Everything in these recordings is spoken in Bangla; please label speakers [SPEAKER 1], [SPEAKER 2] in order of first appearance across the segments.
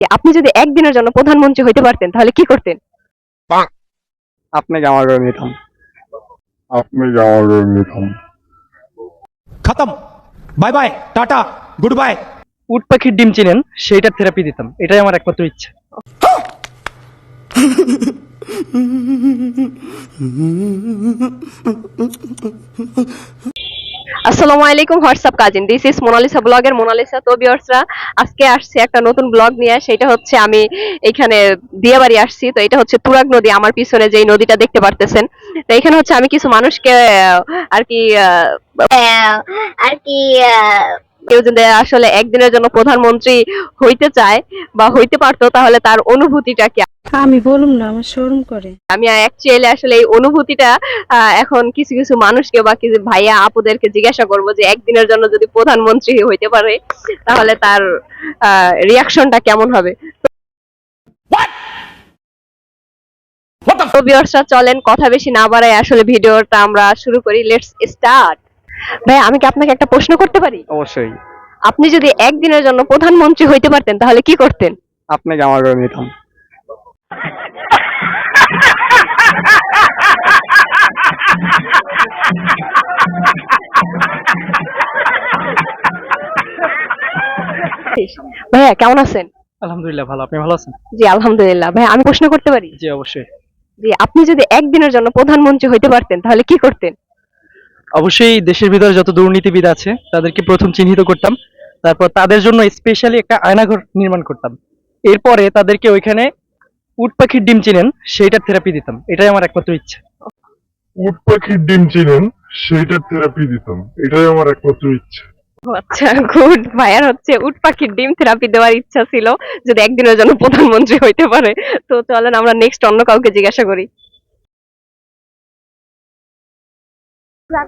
[SPEAKER 1] আপনি যদি একদিনের জন্য প্রধানমন্ত্রী হইতে পারতেন তাহলে কি করতেন?
[SPEAKER 2] আপনাকে আমার নিতাম।
[SPEAKER 3] खत्म bye bye tata goodbye.
[SPEAKER 2] উট পাখির ডিম চিনেন, সেইটার থেরাপি দিতাম, এটাই আমার একমাত্র ইচ্ছা।
[SPEAKER 1] আসসালামু আলাইকুম WhatsApp cousin, this is Monalisa ব্লগের মোনালিসা। তো ভিউয়ার্সরা, আজকে আসছে একটা নতুন ব্লগ নিয়ে। সেটা হচ্ছে আমি এখানে দিয়াবাড়ি আসছি। তো এটা হচ্ছে তুরাগ নদী, আমার পিছনে যেই নদীটা দেখতে পারতেছেন। তো এখানে হচ্ছে আমি কিছু মানুষকে আর কি আর কি কেউ যদি আসলে একদিনের জন্য প্রধানমন্ত্রী হইতে চায় বা হইতে পারতো তাহলে তার অনুভূতিটা কি।
[SPEAKER 4] আমি বলুম না, আমার শরম করে।
[SPEAKER 1] আমি অ্যাকচুয়ালি আসলে এই অনুভূতিটা এখন কিছু কিছু মানুষকে বা কিছু ভাইয়া আপুদেরকে জিজ্ঞাসা করব যে একদিনের জন্য যদি প্রধানমন্ত্রী হইতে পারে তাহলে তার রিয়াকশনটা কেমন হবে। তো ভিউয়ার্সরা, চলেন কথা বেশি না বাড়াই আসলে ভিডিওটা আমরা শুরু করি। Let's start. ভাই, আমি কি আপনাকে একটা প্রশ্ন করতে পারি?
[SPEAKER 2] অবশ্যই।
[SPEAKER 1] আপনি যদি একদিনের জন্য প্রধানমন্ত্রী হইতে পারতেন তাহলে কি করতেন?
[SPEAKER 2] আপনাকে আমার নিতাম।
[SPEAKER 1] ভাইয়া কেমন আছেন?
[SPEAKER 2] আলহামদুলিল্লাহ ভালো, আপনি ভালো আছেন?
[SPEAKER 1] জি আলহামদুলিল্লাহ। ভাই, আমি প্রশ্ন করতে পারি?
[SPEAKER 2] জি অবশ্যই।
[SPEAKER 1] জি, আপনি যদি একদিনের জন্য প্রধানমন্ত্রী হইতে পারতেন তাহলে কি করতেন?
[SPEAKER 2] অবশ্যই দেশের ভিতরে যত দুর্নীতিবিদ আছে তাদেরকে প্রথম চিহ্নিত করতাম, তারপর তাদের জন্য স্পেশালি একটা আয়নাঘর নির্মাণ করতাম, এরপরে তাদেরকে ওইখানে উট পাখির ডিম চিনেন, সেইটার থেরাপি দিতাম, এটাই আমার একমাত্র ইচ্ছা।
[SPEAKER 5] উট পাখির ডিম চিনেন, সেইটার থেরাপি দিতাম, এটাই আমার একমাত্র ইচ্ছা।
[SPEAKER 1] আচ্ছা, গুড। ভাইয়ার হচ্ছে উট পাখির ডিম থেরাপি দেওয়ার ইচ্ছা ছিল যদি একদিনের জন্য প্রধানমন্ত্রী হইতে পারে। তো চলেন আমরা নেক্সট অন্য কাউকে জিজ্ঞাসা করি।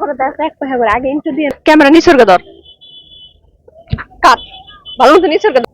[SPEAKER 1] ক্যামেরা নিসর্গ দর কাট, ভালো মতো নিসর্গ দর।